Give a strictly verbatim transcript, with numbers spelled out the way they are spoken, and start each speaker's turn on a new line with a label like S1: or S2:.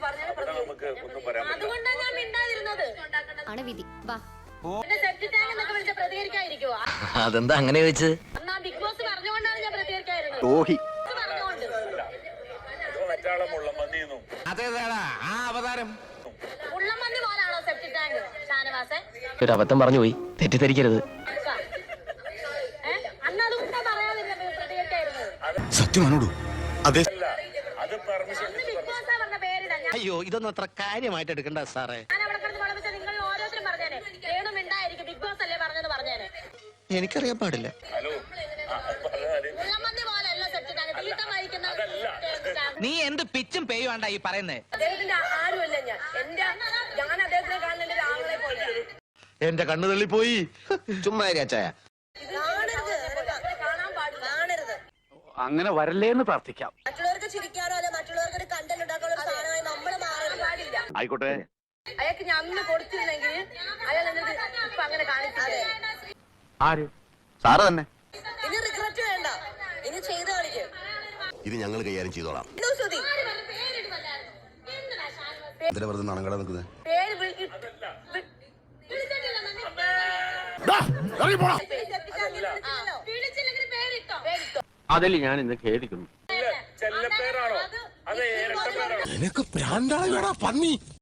S1: നമുക്ക് ഒന്നും പറയാൻ പറ്റില്ല.
S2: അതുകൊണ്ടാണ് ഞാൻ മിണ്ടാതിരുന്നത്.
S3: ആണ് വിധി. വാ.
S2: എന്നെ സെപ്റ്റി ടാങ്ക് എന്നൊക്കെ വിളിച്ച പ്രതികരിക്കാതിരിക്കുവോ?
S4: അതെന്താ അങ്ങനെ ചോദിച്ച്?
S2: എന്നാ ബിഗ് ബോസ് പറഞ്ഞുകൊണ്ടാണ് ഞാൻ പ്രതികരിക്കാതിരുന്നത്.
S5: ഓഹി
S2: പറഞ്ഞുകൊണ്ട്
S1: മറ്റാളെ മുള്ളമന്നിന്നും
S5: അതേതാടാ ആ അവതാരം
S2: ഉള്ളമന്നി പോലാണോ സെപ്റ്റി ടാങ്ക്? ഷാനവാസെ
S4: ഒരു അബദ്ധം പറഞ്ഞു പോയി, തെറ്റിദ്ധരിക്കരുത്.
S2: അന്ന് അതുകൊണ്ടാ പറയാതിരുന്നത് പ്രതികരിക്കാതിരുന്നത്.
S5: സത്യമാണോടു? അതെ.
S1: അത് പെർമിഷൻ
S2: അന്ന് ബിഗ് ബോസാ പറഞ്ഞ പേരിടാ. ഞാൻ
S5: അയ്യോ ഇതൊന്നും അത്ര കാര്യമായിട്ട് എടുക്കണ്ട സാറേ.
S2: അവിടെ കിടന്ന് വളമിച്ച നിങ്ങൾ ഓരോരുത്തരും പറഞ്ഞേനെ ഏണു മിണ്ടായിരിക്കും. ബിഗ് ബോസ് അല്ലേ പറഞ്ഞത് പറഞ്ഞേനെ.
S5: എനിക്കറിയാൻ പാടില്ല.
S1: ഹലോ ആ, പറഞ്ഞാല്
S2: ഉള്ളമന്നി പോലല്ല സെപ്റ്റി ടാങ്ക്. തീട്ടമായിരിക്കുന്ന
S6: നീ എന്ത് പിച്ചും പേയുവാണ്ടാ ഈ പറയുന്നേ?
S2: അദ്ദേഹത്തിന്റെ ആരുമല്ല ഞാൻ. എന്റെ ഞാൻ അദ്ദേഹത്തിനെ കാണുന്ന ആളെ പോലെ
S5: എന്റെ കണ്ണു തള്ളിപ്പോയി. ചുമ്മാ അച്ചായ
S2: കാണാൻ പാടില്ല. കാണരുത്.
S7: അങ്ങനെ വരല്ലേന്ന് പ്രാർത്ഥിക്കാം.
S2: മറ്റുള്ളവർക്ക് ചിരിക്കാനോ അല്ലെ മറ്റുള്ളവർക്ക് ഒരു കണ്ടന്റ് ഉണ്ടാക്കാനുള്ള ഒരു സാധനമായി നമ്മൾ മാറാൻ പാടില്ല.
S7: ആയിക്കോട്ടെ.
S2: അയാൾക്ക് ഞാൻ അന്ന് കൊടുത്തിരുന്നെങ്കിൽ അയാൾ എന്നിട്ട് ഇപ്പൊ അങ്ങനെ കാണിച്ചില്ലേ?
S7: ആര്? സാറ് തന്നെ.
S2: ഇനി റിഗ്രറ്റ് വേണ്ട. ഇനി ചെയ്ത് കാണിക്കും.
S5: ഇത് ഞങ്ങൾ കൈകാര്യം ചെയ്തോളാം.
S2: ശ്രുതി
S5: എന്തിനാ വെറുതെ നാണങ്ങളെ നിൽക്കുന്നത്?
S2: പേര് വിളി- വി- ആ, വിളിച്ചില്ലെങ്കിൽ പേരിട്ടോ. പേരിട്ടോ.
S7: അതിൽ ഞാൻ ഇന്ന് ഖേദിക്കുന്നു.
S1: ചെല്ലപ്പേരാണോ? അത് ഇരട്ടപ്പേരാണോ?
S5: നിനക്ക് ഭ്രാന്താളാ പന്നി.